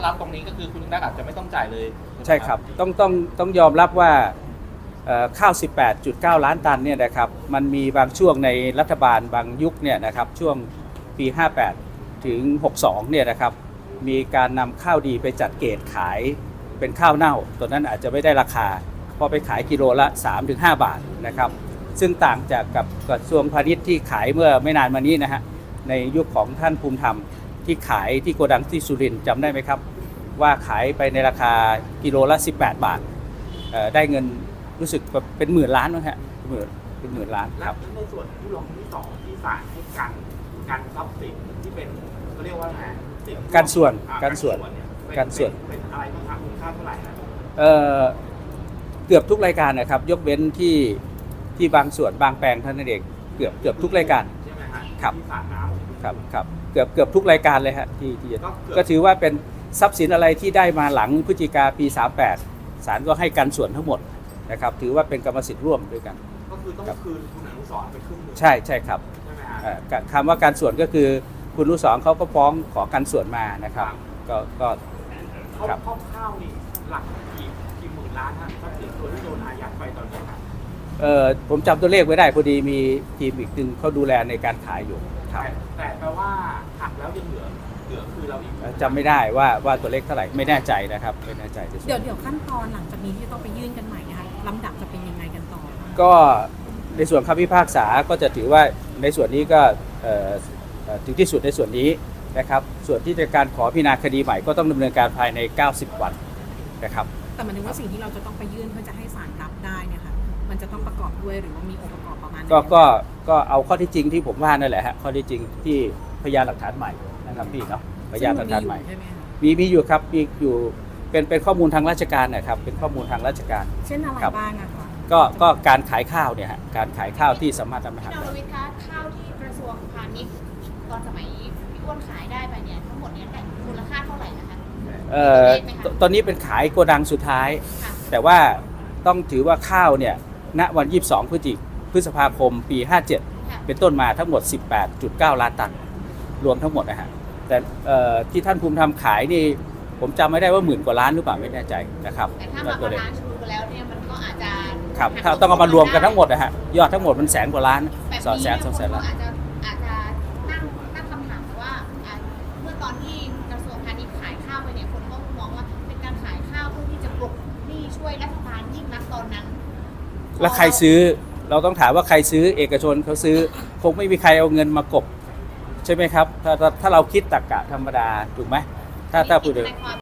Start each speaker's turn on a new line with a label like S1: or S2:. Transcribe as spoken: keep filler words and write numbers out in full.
S1: รับตรงนี้ก็คือคุณนักอาจจะไม่ต้องจ่ายเลย
S2: ใช่ครับต้องต้องต้องยอมรับว่าข้าว สิบแปดจุดเก้า ล้านตันเนี่ยนะครับมันมีบางช่วงในรัฐบาลบางยุคเนี่ยนะครับช่วงปีห้าแปดถึงหกสองเนี่ยนะครับมีการนำข้าวดีไปจัดเกณฑ์ขายเป็นข้าวเน่าตัวนั้นอาจจะไม่ได้ราคาพอไปขายกิโลละ สามถึงห้า บาทนะครับซึ่งต่างจากกับกระทรวงพาณิชย์ที่ขายเมื่อไม่นานมานี้นะฮะในยุคของท่านภูมิธรรมที่ขายที่โกดังที่สุรินทร์จำได้ไหมครับว่าขายไปในราคากิโลละสิบแปดบาทได้เงินรู้สึกเป็นหมื่นล้านนะฮะหมื่นเป็นหมื่นล้านครับ
S1: ในส่วนผู้ร้องที่สองที่ศาลให้กันการทรัพย์สินที่เป็นเขาเรียกว่าไง
S2: การส่วนการส่วนการส่วน
S1: เป็นอะไรบ้างครับมูลค่าเท่าไหร่นะ
S2: เอ่อเกือบทุกรายการนะครับยกเว้นที่ที่บางส่วนบางแปลงเท่านั้นเองเกือบเกือบทุกรายการ
S1: ใช่ไหมฮะ
S2: ครับ
S1: ที่ศาลน้ำ
S2: ครับครับเกือบเกือบทุกรายการเลยฮะที่ที่ก็ถือว่าเป็นทรัพย์สินอะไรที่ได้มาหลังพฤศจิกาปีสามแปดศาลก็ให้กันส่วนทั้งหมดนะครับถือว่าเป็นกรรมสิทธิ์ร่วมด้วยกัน
S1: ก็คือต้องคืนคุณอนุสรณ์ไปครึ่งนึง
S2: ใช่ใช่ครับ
S1: ใช่ไหมฮะ
S2: คำว่าการส่วนก็คือคุณอนุสรณ์เขาก็ฟ้องขอกันส่วนมานะครับก็ก็
S1: ครับข้าวนี่หลักกี่กี่หมื่นล้านฮะทรัพย์สินตัวที่โดนอายัดไปตอนนี้ครับ
S2: เอ่อผมจำตัวเลขไว้ได้พอดีมีทีมอีกหนึ่งเขาดูแลในการขายอยู่
S1: ครับแต่แปลว่าหักแล้วยังเหลือเหลือคือเราอีก
S2: จำไม่ได้ว่าว่าตัวเลขเท่าไหร่ไม่แน่ใจนะครับไม่แน่ใจ
S3: เดี๋ยวเดี๋ยวขั้นตอนหลังจากนี้ที่ต้องไปยื่นกันใหม่นะคะลำดับจะเป็นยังไงกันต่อ
S2: ก็ในส่วนคำพิพากษาก็จะถือว่าในส่วนนี้ก็ถึงที่สุดในส่วนนี้นะครับส่วนที่จะการขอพิจารณาคดีใหม่ก็ต้องดำเนินการภายในเก้าสิบวันนะครับ
S3: แต่หมายถึงว่าสิ่งที่เราจะต้องไปยื่นเพื่อจะให้ศาลรับได้เนี่ยค่ะมันจะต้องประกอบด้วยหรือว่ามีองค์ประกอบประมาณ
S2: ก็ก็ก็เอาข้อที่จริงที่ผมว่านั่นแหละฮะข้อที่จริงที่พยานหลักฐานใหม่นะครับพี่เนาะพยานหลักฐานใหม่มีมีอยู่ครับมีอยู่เป็นเป็นข้อมูลทางราชการนะครับเป็นข้อมูลทางราชการ
S3: เช่นอะไรบ้างอะคะ
S2: ก็ก็การขายข้าวเนี่ยฮะการขายข้าวที่สามารถทำให้
S4: เราวิเคราะห์ข้าวที่กระทรวงพาณิชย์ตอนสมัยพี่อ้วนขายได้ไปเนี่ยทั้งหมดนี้แต่มูลค่าเท่าไหร่นะคะ
S2: เอ่อตอนนี้เป็นขายโกดังสุดท้ายแต่ว่าต้องถือว่าข้าวเนี่ยณวันยี่สิบสองพฤศจิพฤษภาคมปีห้าเจ็ดเป็นต้นมาทั้งหมด สิบแปดจุดเก้า ล้านตันรวมทั้งหมดนะฮะแต่ที่ท่านภูมิธรรมขายนี่ผมจำไม่ได้ว่าหมื่นกว่าล้านหรือเปล่าไม่แน่ใจนะครับ
S4: แต่ถ้ามาล้านชูแล้วเนี่ยมันก็อาจจะ
S2: ครับถ้าต้องเอามารวมกันทั้งหมดนะฮะยอดทั้งหมดมันแสนกว่าล้านสองแสนสองแสนล้าน
S4: อาจจะอาจจะตั้งตั้งคำถามว่าเมื่อตอนที่กระทรวงพาณิชย์ขายข้าวไปเนี่ยคนก็มองว่าเป็นการขายข้าวเพื่อที่จะปลุกหนี้ช่วยรัฐบาลยิ่งนักตอนนั้น
S2: แล้วใครซื้อเราต้องถามว่าใครซื้อเอกชนเขาซื้อคงไม่มีใครเอาเงินมากบใช่ไหมครับถ้าถ้าเราคิดตรรกะธรรมดาถูกไหมถ้าถ้าพูดถึง